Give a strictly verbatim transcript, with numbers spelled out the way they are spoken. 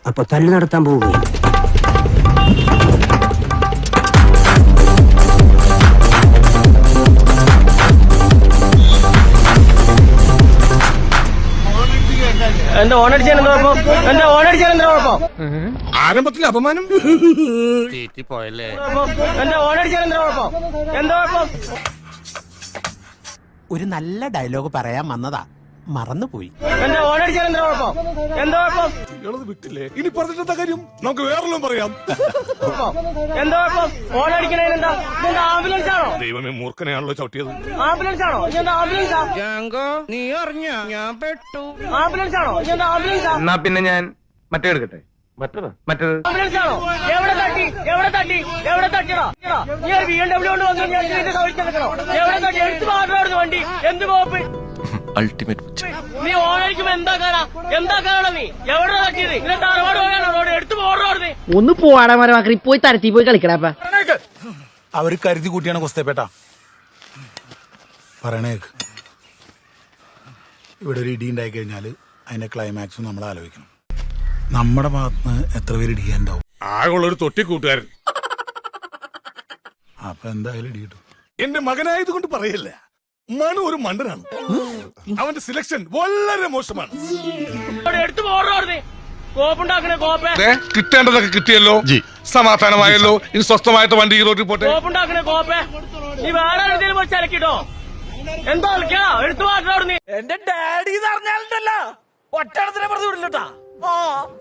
അപ്പൊ തല്ലു നടത്താൻ പോവുകയാണ്. എന്റെ ഓണടിച്ചാൽ എന്താ കുഴപ്പം? എന്റെ ഓണടിച്ചാൽ എന്താ കുഴപ്പം? ആരംഭത്തിൽ അപമാനം പോയല്ലേ. എന്റെ ഓണടിച്ചാൽ എന്താ കുഴപ്പം? എന്താ കുഴപ്പം? ഒരു നല്ല ഡയലോഗ് പറയാൻ വന്നതാ, മറന്നുപോയി. എന്റെ ഓണടിച്ചാൽ എന്താ കുഴപ്പം? എന്താ കുഴപ്പം? വിട്ടില്ലേ? ഇനി പറഞ്ഞിട്ടെന്താ കാര്യം? നമുക്ക് വേറെല്ലാം പറയാം. എന്താ കുഴപ്പം? ഓണടിക്കണേന് എന്താ? ഇതെന്താ ആംബുലൻസ് ആണോ? ദൈവമേ, മൂർഖനെയാണല്ലോ ചവിട്ടിയത്. ആംബുലൻസ് ആണോ? ഇതെന്താ ആംബുലൻസാ? നീ അറിഞ്ഞ ഞാൻ പെട്ടു. ആംബുലൻസ് ആണോ? ഇതെന്താ ആംബുലൻസാ? എന്നാ പിന്നെ ഞാൻ മറ്റേ എടുക്കട്ടെ. മറ്റേത് മറ്റേത് ആംബുലൻസ് ആണോ? എവിടെ തട്ടി? എവിടെ തട്ടി? എവിടെ തട്ടിടാ? നീ ബി എം ഡബ്ല്യൂ കൊണ്ട് വന്നു ഞാൻ ഇതിന്റെ കവിളിച്ച് നിൽക്കണോ? എവിടെ തട്ടി? എടുത്ത് മാറ്റായിരുന്നു വണ്ടി. എന്ത് കോപ്പ്? അൾട്ടിമേറ്റ്. നീ ഓണടിക്കുമ്പോ എന്താ കാണാ? എന്താ കാണാ? നീ എവിടെ തട്ടിയത്? ഇതിന്റെ തറവാട് പോയാണോ റോഡ്? എടുത്ത് പോടുന്നു. ഒന്ന് പോവാടാ മരമാക്കി പോയി തരത്തി പോയി കളിക്കടാ. അവര് കരുതി കൂട്ടിയാണ് കുസ്തേപ്പേട്ട പറയണേക്ക്. ഇവിടെ ഒരു ഇടി ഉണ്ടായി കഴിഞ്ഞാല് അതിന്റെ ക്ലൈമാക്സും നമ്മൾ ആലോചിക്കണം. നമ്മുടെ ഭാഗത്തുനിന്ന് എത്ര പേര് ഇടിയാണ്ടാവും? ആകുള്ളൊരു തൊട്ടി കൂട്ടുകാരൻ. അപ്പൊ എന്തായാലും ഇടി കിട്ടും. എന്റെ മകനായതുകൊണ്ട് പറയല്ല, മനു ഒരു മണ്ടനാണ്. അവന്റെ സിലക്ഷൻ വളരെ മോശമാണ്. എടുത്ത് പോടുന്നു. കോപ്പുണ്ടാക്കണേ കോപ്പേ. കിട്ടേണ്ടതൊക്കെ കിട്ടിയല്ലോ, സമാധാനമായല്ലോ. ഇനി സ്വസ്ഥമായിട്ട് വണ്ടി ഈ റോഡിൽ പോട്ടെ. കോപ്പുണ്ടാക്കണേ കോപ്പേ. നീ വേറെ എവിടെയും പോയി ചലക്കിട്ടോ. എന്താ കളിക്കാ? എടുത്തു മാറ്റാ. എന്റെ ഡാഡി എന്ന് പറഞ്ഞാലുണ്ടല്ലോ ഒറ്റ പറഞ്ഞു വിടില്ലട്ടാ.